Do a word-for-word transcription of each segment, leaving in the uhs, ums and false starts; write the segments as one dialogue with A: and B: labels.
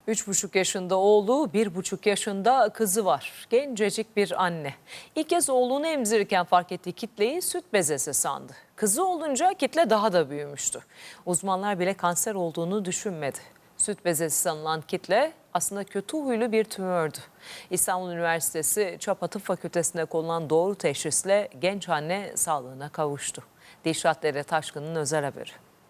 A: Üç buçuk yaşında oğlu, bir buçuk yaşında kızı var. Gencecik bir anne. İlk kez oğlunu emzirirken fark ettiği kitleyi süt bezesi sandı. Kızı olunca kitle daha da büyümüştü. Uzmanlar bile kanser olduğunu düşünmedi. Süt bezesi sanılan kitle aslında kötü huylu bir tümördü. İstanbul Üniversitesi Çapa Tıp Fakültesi'nde konulan doğru teşhisle genç anne sağlığına kavuştu. Dilşat Dere Taşkın'ın özel haberi.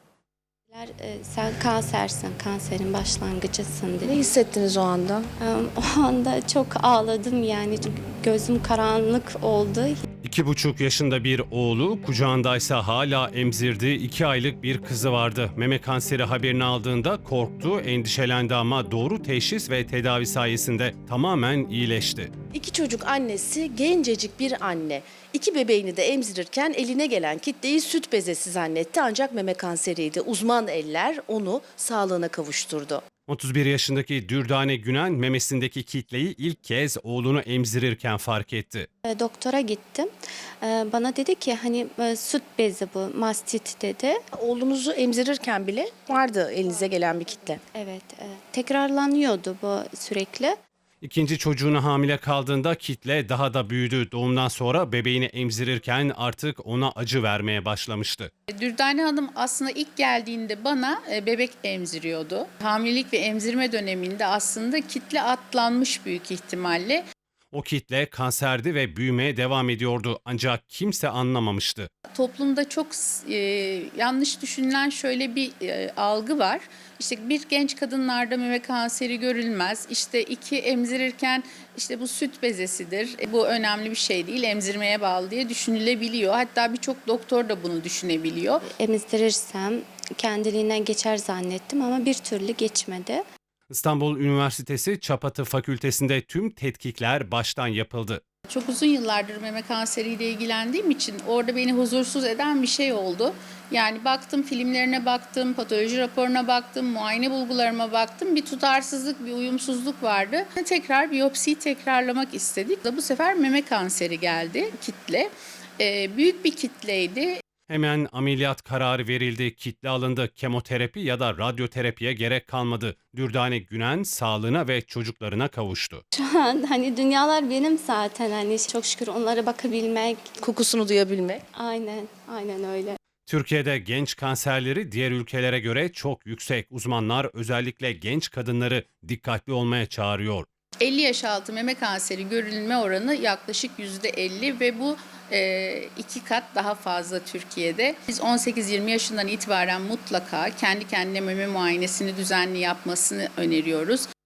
B: Sen kansersin, kanserin başlangıcısın dedi.
C: Ne hissettiniz o anda?
B: O anda çok ağladım yani gözüm karanlık oldu.
D: İki buçuk yaşında bir oğlu, kucağındaysa hala emzirdiği iki aylık bir kızı vardı. Meme kanseri haberini aldığında korktu, endişelendi ama doğru teşhis ve tedavi sayesinde tamamen iyileşti.
C: İki çocuk annesi, gencecik bir anne. İki bebeğini de emzirirken eline gelen kitleyi süt bezesi zannetti ancak meme kanseriydi. Uzman eller onu sağlığına kavuşturdu.
D: otuz bir yaşındaki Dürdane Günen memesindeki kitleyi ilk kez oğlunu emzirirken fark etti.
B: Doktora gittim. Bana dedi ki hani süt bezi bu, mastit dedi.
C: Oğlunuzu emzirirken bile vardı elinize gelen bir kitle.
B: Evet, tekrarlanıyordu bu sürekli.
D: İkinci çocuğuna hamile kaldığında kitle daha da büyüdü. Doğumdan sonra bebeğini emzirirken artık ona acı vermeye başlamıştı.
E: Dürdane Hanım aslında ilk geldiğinde bana bebek emziriyordu. Hamilelik ve emzirme döneminde aslında kitle atlanmış büyük ihtimalle.
D: O kitle kanserdi ve büyümeye devam ediyordu ancak kimse anlamamıştı.
E: Toplumda çok e, yanlış düşünülen şöyle bir e, algı var. İşte bir genç kadınlarda meme kanseri görülmez. İşte iki emzirirken işte bu süt bezesidir. E, bu önemli bir şey değil, emzirmeye bağlı diye düşünülebiliyor. Hatta birçok doktor da bunu düşünebiliyor.
B: Emzdirirsem kendiliğinden geçer zannettim ama bir türlü geçmedi.
D: İstanbul Üniversitesi Çapa Tıp Fakültesi'nde tüm tetkikler baştan yapıldı.
E: Çok uzun yıllardır meme kanseriyle ilgilendiğim için orada beni huzursuz eden bir şey oldu. Yani baktım, filmlerine baktım, patoloji raporuna baktım, muayene bulgularıma baktım. Bir tutarsızlık, bir uyumsuzluk vardı. Tekrar biyopsiyi tekrarlamak istedik. Bu sefer meme kanseri geldi, kitle. Ee, büyük bir kitleydi.
D: Hemen ameliyat kararı verildi, kitle alındı, kemoterapi ya da radyoterapiye gerek kalmadı. Dürdane Günen sağlığına ve çocuklarına kavuştu.
B: Şu an hani dünyalar benim zaten hani çok şükür onlara bakabilmek.
C: Kokusunu duyabilmek.
B: Aynen, aynen öyle.
D: Türkiye'de genç kanserleri diğer ülkelere göre çok yüksek. Uzmanlar özellikle genç kadınları dikkatli olmaya çağırıyor.
E: elli yaş altı meme kanseri görülme oranı yaklaşık yüzde elli ve bu e, iki kat daha fazla Türkiye'de. Biz on sekiz yirmi yaşından itibaren mutlaka kendi kendine meme muayenesini düzenli yapmasını öneriyoruz.